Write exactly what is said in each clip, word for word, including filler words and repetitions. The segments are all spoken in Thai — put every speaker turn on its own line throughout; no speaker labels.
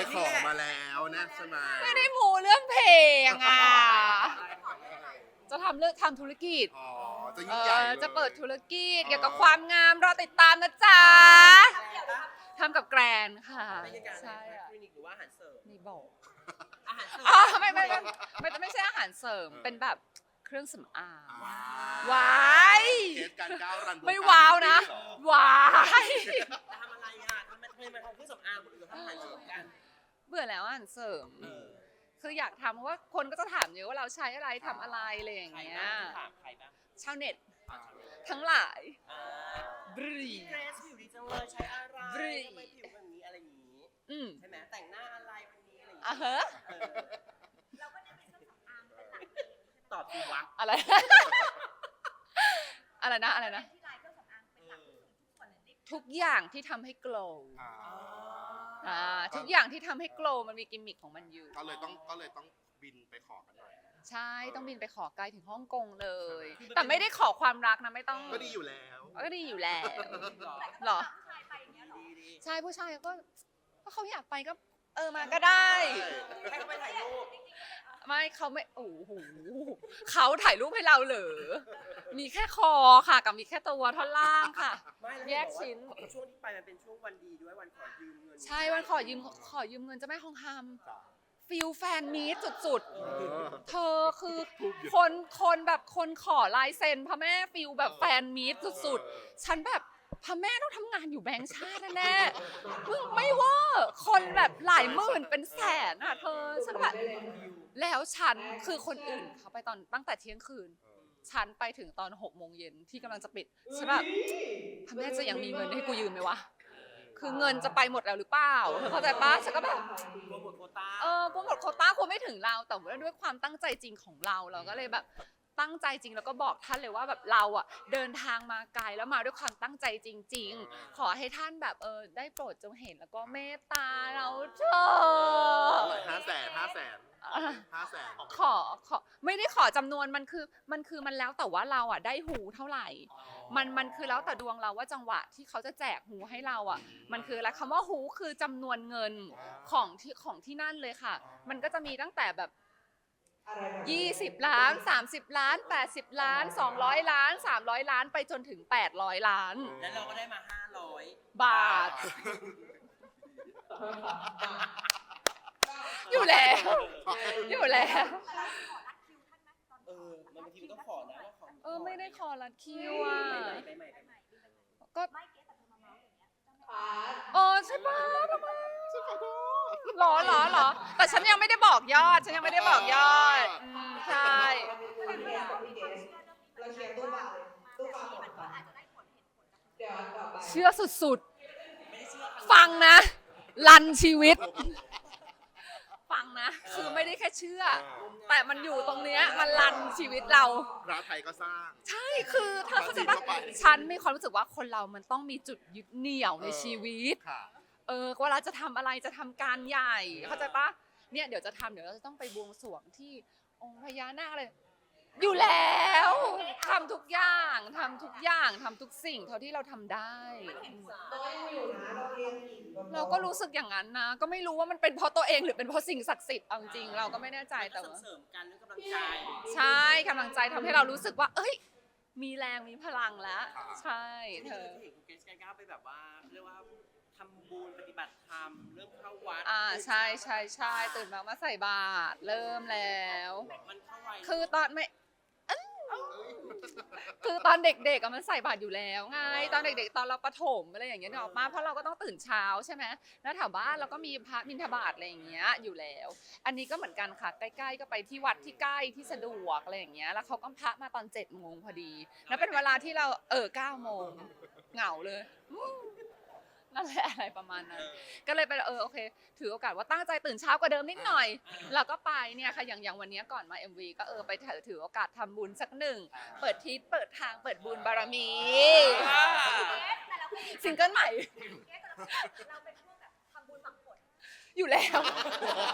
ขอมาแล้วนะใช่ไหม
ไม่ได้มูเรื่องเพลงอ่ะจะทำเรื่องทำธุรกิจ
อ๋อจะยิ่งใหญ่เลย
จะเปิดธุรกิจเกี่ยวกับความงามรอติดตามนะจ๊ะทำกับแกรนค่ะใช่อะ
คลินิกหรือว่าอาหารเสริม
นี่บอก
อาหารเสริม
อ๋อไม่ไม่ไม่ไม่ไม่ใช่อาหารเสริมเป็นแบบเครื่องสำอาง ว้าย
เคสการก้าวรัน
ไม่ว้าวนะว้าย
จะทำอะไรอ่ะทำไมทำไมมาทำเครื่องสำอางคนอื่นเขาทำอาหารเสริมกัน
เบื่อแล้วอาหารเสริม
เออ
คืออยากทำเพราะว่าคนก็จะถามเยอะว่าเราใช้อะไรทำอะไรอะไรอย่าง
ใคร
เงี้ย
บ้างถามใครบ้าง
ชาวเน็ตทั้งหลาย
อ่า
บรี
เกรซผิวดีจังเลยใช้อะไร
บรี
ทำไมผิวแบบนี้อะไรอย่างนี้
อืม
ใช่ไหมแต่งหน้าอะไรวันนี้อะไรอย่าง
อ่ะ
นี้
เฮ้
เออตอบดีวะ
อะไร อะไรนะอะไรนะ ทุกอย่างที่ทำให้ glow
อ่า
อ่าทุกอย่างที่ทำให้ glow มันมีกิมมิคของมันอยู่
ก็เลยต้องก็เลยต้องบินไปขอกันหน่อย
ใช่ต้องบินไปขอไกลถึงฮ่องกงเลย แต่ไม่ได้ขอความรักนะไม่ต้อง
ก็ดีอยู่แล้ว
ก็ดีอยู่แล้ว
หรอ
หรอ
ดีดี
ใช่ผู้ชายก็ก็เขาอยากไปก็เออมาก็ได้
ให้เขาไปถ่ายรูป
ไม่เขาไม่โอ้โหเขาถ่ายรูปให้เราเหรอมีแค่คอค่ะกับมีแค่ตัวท่อนล่างค่ะ
ไม่ล้ว
แยกชิ้น
บอกว่าช่วงที่ไปมันเป็นช่วงวันดีด้วยวันขอยืมเงิน
ใช่วันขอยืมขอยืมเงินเจะแม่ทองคำฟิลแฟนมีตสุดๆ เธอคือคนคนแบบคนขอลายเซ็นพระแม่ฟิลแบบแฟนมีตสุดๆ ฉันแบบพระแม่ต้องทำงานอยู่แบงค์ชาติแน่ๆมึงไม่เว่าคนแบบหลายหมื่นเป็นแสนอ่ะเธอฉันแบบแล้วฉันคือคนอื่นเขาไปตอนตั้งแต่เที่ยงคืน ฉันไปถึงตอนหกโมงเย็นที่กำลังจะปิดฉันแบบพระแม่จะยังมีเงินให้กูยืมไหมวะคือเงินจะไปหมดแล้วหรือเปล่าเธอเข้าใจปะฉันก็แบบ
โปรโมทโควต้า
เออกูหมดโควต้ากูไม่ถึงเราแต่ว่าด้วยความตั้งใจจริงของเราเราก็เลยแบบตั้งใจจริงแล้วก็บอกท่านเลยว่าแบบเราอ่ะเดินทางมาไกลแล้วมาด้วยความตั้งใจจริง ๆ ขอให้ท่านแบบเออได้โปรดจงเห็นแล้วก็เมตตาเราเถอะ
ห้าแสนห้าแสนห้าแสน
ขอขอไม่ได้ขอจำนวนมันคือมันคือมันแล้วแต่ว่าเราอ่ะได้หูเท่าไหร่ มันมันคือแล้วแต่ดวงเราว่าจังหวะที่เขาจะแจกหูให้เราอ่ะมันคืออะไรคำว่าหูคือจำนวนเงินของที่ของที่นั่นเลยค่ะ มันก็จะมีตั้งแต่แบบยี่สิบล้านสามสิบล้านแปดสิบล้านสองร้อยล้านสามร้อยล้านไปจนถึงแปดร้อยล้าน
แล้วเราก็ได้มาห้าร้อย
บาท อยู่แล้วอยู่แล้ว
เออมันบางทีมันต้องขอนะว่าขอ
เออไม่ได้ขอรัดคิวอ่ะ
ไปใหม่ไปใหม่
ก็เออใช่ปะทำไมหรอหรอหรอแต่ฉันยังไม่ได้บอกยอด ฉันยังไม่ได้บอกยอดอืมใช่
เราเชียร์ตู้ปลาเลยตู้ปลาหมดปะเดี๋ยวต่อไป
เชื่อสุดๆ ฟังนะ ลันชีวิต ฟังนะ คือไม่ได้แค่เชื่อ แต่มันอยู่ตรงเนี้ยมันลันชีวิตเรา
พระไทยก็สร้าง
ใช่ คือเธอเข้าใจปะฉันมีความรู้สึกว่าคนเรามันต้องมีจุดยึดเหนี่ยวในชีวิต
ค่ะ
เออเวลาจะทำอะไรจะทำการใหญ่ เข้าใจปะเนี่ยเดี๋ยวจะทำเดี๋ยวเราจะต้องไปบวงสรวงที่องค์พญานาคอะไร อยู่แล้วทำทุกอย่างทำทุกอย่างทำทุกสิ่งเท่าที่เราทำได้
เราก็ยังอยู่นะเราเรียนอีก
เราก็รู้สึกอย่างนั้นนะ ก็ไม่รู้ว่ามันเป็นเพราะตัวเองหรือเป็นเพราะสิ่งศักดิ์สิทธิ์เอาจริงๆเราก็ไม่แน่ใจแต่ว่า
เสริมกันเรื่องกำลังใจ
ใช่กำลังใจทำให้เรารู้สึกว่า เอ้ย มีแรงมีพลังแล้ว ใช่เธอ
เห็นคุณเกสการก้าวไปแบบว่าเรียกว่าทำบุญปฏิบัติธรรมเริ่มเข้าวัด
อ่าใช่ใช่ใช่ตื่นมามาใส่บาตรเริ่มแล้ว
มันเข้าวัย
คือตอนไม่อื้อคือตอนเด็กๆอะมันใส่บาตรอยู่แล้วไงตอนเด็กๆตอนเราประถมอะไรอย่างเงี้ยนึกออกมาเพราะเราก็ต้องตื่นเช้าใช่ไหมแล้วแถวบ้านเราก็มีพระบิณฑบาตอะไรอย่างเงี้ยอยู่แล้ว อันนี้ก็เหมือนกันค่ะใกล้ๆก็ไปที่วัดที่ใกล้ที่สะดวกอะไรอย่างเงี้ยแล้วเขาก็พระมาตอนเจ็ดโมงพอดี แล้วเป็นเวลาที่เราเออเก้าโมงเหงาเลยนั่นแหละอะไรประมาณนั้น ก็เลยไปเออโอเคถือโอกาสว่าตั้งใจตื่นเช้ากว่าเดิมนิดหน่อยแล้วก็ไปเนี่ยค่ะอย่างอย่างวันนี้ก่อนมา เอ็ม วี ก็เออไปถือถือโอกาสทำบุญสักหนึ่งเปิดทิศเปิดทางเปิดบุญบารมีซิงเกิลใหม่
เราเป็นพวกแบบทำบุญหวังผล
อยู่แล้ว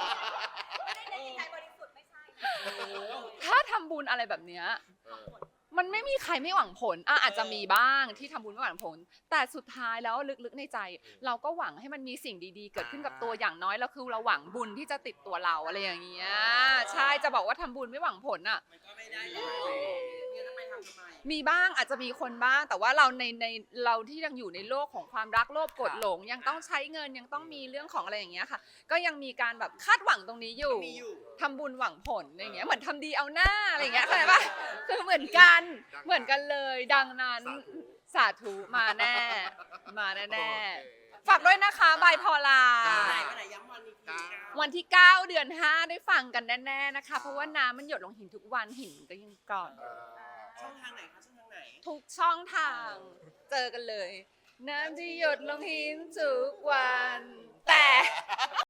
ไม่ได้ในจิตใจบริสุทธิ์ไม่ใช่
ถ้าทำบุญอะไรแบบเนี้ยมันไม่มีใครไม่หวังผลอ่ะอาจจะมีบ้างที่ทำบุญไม่หวังผล แต่สุดท้ายแล้วลึกๆในใจ เราก็หวังให้มันมีสิ่งดีๆ เกิดขึ้นกับตัวอย่างน้อยแล้วคือเราหวังบุญที่จะติดตัวเราอะไรอย่างเงี้ยใช่จะบอกว่าทำบุญไม่หวังผลอ่ะ
มันก็ไม่ได้เลยเนี่ยทำไมทำทำไม
มีบ้างอาจจะมีคนบ้างแต่ว่าเราในในเราที่ยังอยู่ในโลกของความรักโลภกดหลง ยังต้องใช้เงินยังต้องมีเรื่องของอะไรอย่างเงี้ยค่ะ ก็ยังมีการแบบคาดหวังตรงนี้อยู่
มีอยู่
ทำบุญหวังผลอะไรอย่างเงี้ยเหมือนทำดีเอาหน้าอะไรอย่างเงี้ยเข้าใจปะคือเหมือนกันเหมือนกันเลย ดังนั้นสาธุมาแน่มาแน่แน่ๆฝากด้วยนะคะบายพอลา
ไหนวันไหนย้ำวันอีกที
วันที่เก้าเดือนห้าได้ฟังกันแน่ๆนะคะ เพราะว่าน้ำมันหยดลงหินทุกวันหินก็ยังก่อน
เออ
ช่องทางไหนคะช่องทางไหน
ทุกช่องทางเจอกันเลย น้ำที่หยดลงหินทุกวัน แต่